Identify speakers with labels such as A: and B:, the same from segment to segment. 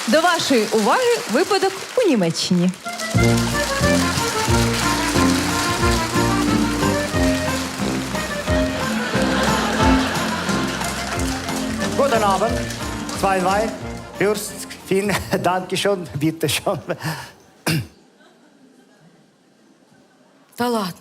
A: До вашої уваги випадок у Німеччині.
B: Guten Abend. Zwei Wein, Fürst, vielen Dank schon, bitte schon.
C: Та ладно.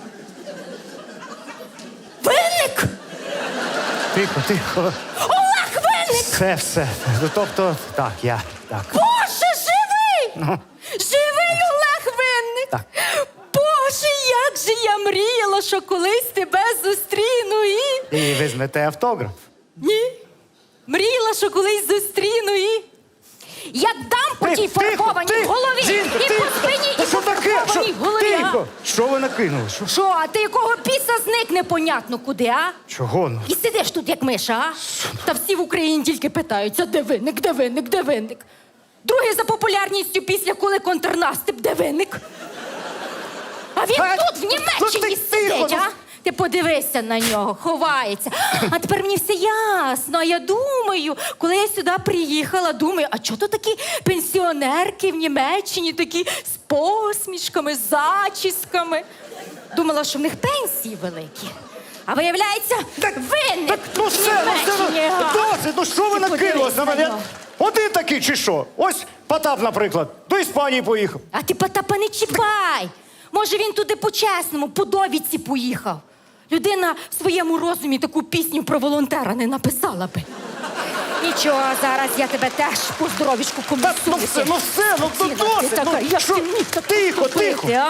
C: Винник!
B: Тихо, тихо.
C: Олег Винник!
B: Все. Ну, тобто, так, я, так.
C: Боже, живий! Живий Олег Винник!
B: Так.
C: Боже, як же я мріяла, що колись тебе зустріну і...
B: І візьмете автограф.
C: Ні. Мріяла, що колись зустріну і... Як дам по тій фарбованій голові
B: Жінка,
C: і
B: тихо!
C: по спині, і
B: Та
C: по
B: що таке?
C: фарбованій голові, а?
B: Тихо! Що ви накинули?
C: Що, а ти якого біса зник непонятно куди, а?
B: Чого? Ну?
C: І сидиш тут, як миша, а? Та всі в Україні тільки питаються, де винник, де винник, де винник? Другий за популярністю після «Коли контрнаступ», де винник? А він тут, в Німеччині, сидить, а? Ти подивися на нього, ховається. А тепер мені все ясно. Я думаю, коли я сюди приїхала, думаю, а чого то такі пенсіонерки в Німеччині, такі з посмішками, з зачісками? Думала, що в них пенсії великі. А виявляється, винник
B: Ну
C: в
B: все,
C: Німеччині. а?
B: досить, ну що ви
C: Ти
B: накинулись на
C: подивись
B: мене?
C: нього.
B: Один такий чи що? Ось Потап, наприклад, до Іспанії поїхав.
C: А ти Потапа не чіпай. Може, він туди по-чесному, по довідці поїхав. Людина в своєму розумі таку пісню про волонтера не написала би. Нічого, зараз я тебе теж по здоровічку комісую.
B: Ну все, ну досить.
C: Така,
B: Ну,
C: як
B: що?
C: ти міг так
B: Тихо,
C: поступити,
B: тихо.
C: а?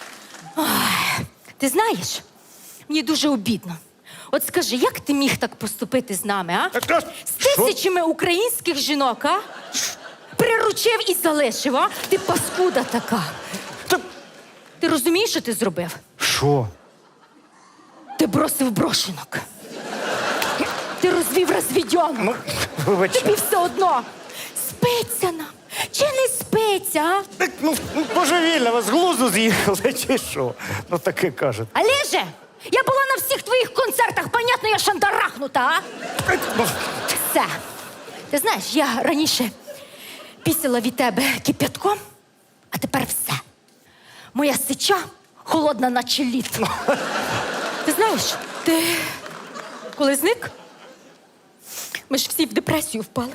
C: Ой, ти знаєш, мені дуже обідно. От скажи, як ти міг так поступити з нами, а?
B: Так,
C: З
B: що?
C: тисячами українських жінок, а? Приручив і залишив, а? Ти паскуда така.
B: Та-
C: Ти розумієш, що ти зробив?
B: Що?
C: Ти бросив брошенок. Ти розвів розвідьонок.
B: Ну, вибачте.
C: Тобі все одно. Спиться нам. Чи не спиться, а?
B: Так, ну, божевільно, вас з глузду з'їхали, чи що? Ну, таке кажуть.
C: Олеже, я була на всіх твоїх концертах, понятно, я шандарахнута, а?
B: Ну,
C: Все. Ти знаєш, я раніше пісила від тебе кип'ятком, а тепер все. Моя сича холодна, наче лід. Ти знаєш, ти коли зник, ми ж всі в депресію впали.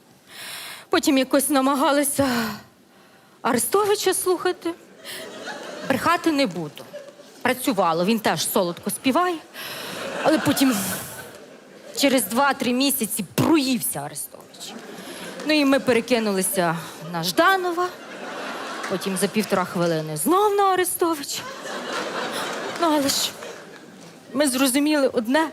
C: Потім якось намагалися Арестовича слухати. Брехати не буду. Працювало, він теж солодко співає. Але потім через 2-3 місяці проївся Арестович. Ну і ми перекинулися на Жданова. Потім за 1,5 хвилини знов на Арестовича. Ну, але ж ми зрозуміли одне,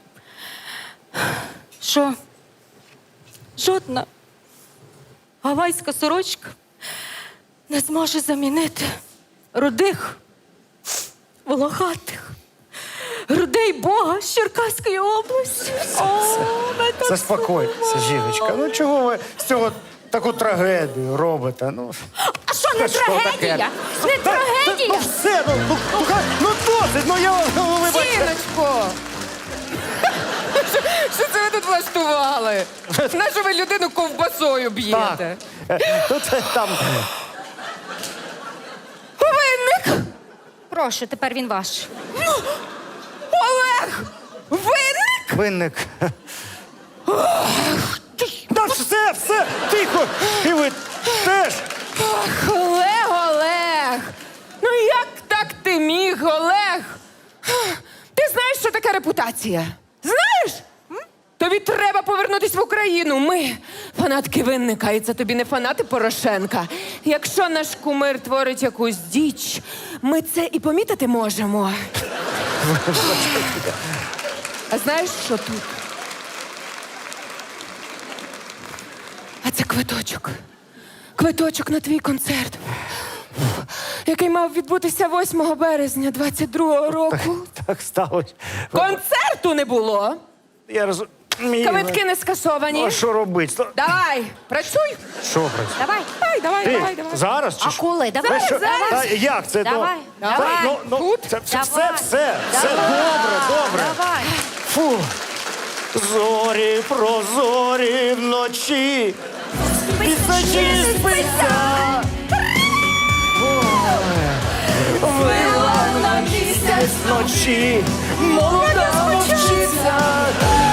C: що жодна гавайська сорочка не зможе замінити рудих, волохатих, грудей Бога з Черкаської області.
B: заспокойтеся, жіночка. Ну, чого ви з цього таку трагедію робите? Ну,
C: А що, не
B: Та що таке?
C: трагедія? Не
B: Ну
C: трагедія?
B: все, ну досить, ну я, ну вибачте.
D: Жіночко! Що це ви тут влаштували? Нащо ви людину ковбасою б'єте?
B: Тут там,
D: Винник!
C: Прошу, тепер він ваш.
D: Олег! Винник!
B: винник. Та все, тихо. І ви теж.
D: Ах, Олег! Ну як так ти міг, Олег? Ти знаєш, що таке репутація? Знаєш? Тобі треба повернутися в Україну. Ми фанатки Винника, і це тобі не фанати Порошенка. Якщо наш кумир творить якусь діч, ми це і помітити можемо. А знаєш, що тут? А це квиточок. Квиточок на твій концерт, який мав відбутися 8 березня 22-го року.
B: Так сталося.
D: Концерту не було.
B: Я розумію.
D: Квитки не скасовані.
B: А що робити?
D: Давай, працюй.
B: Що працює?
C: Давай.
D: Давай.
B: Зараз чи
C: А
B: що?
C: коли? Давай,
B: Що?
C: зараз.
B: Та як це?
C: Давай,
B: Ну,
C: давай.
B: Ну, це
C: Давай.
B: все
C: Давай.
B: добре.
C: Давай.
B: Фу. Зорі прозорі вночі, Пісочі спиться. Вила на місяць ночі, молода мовчиться.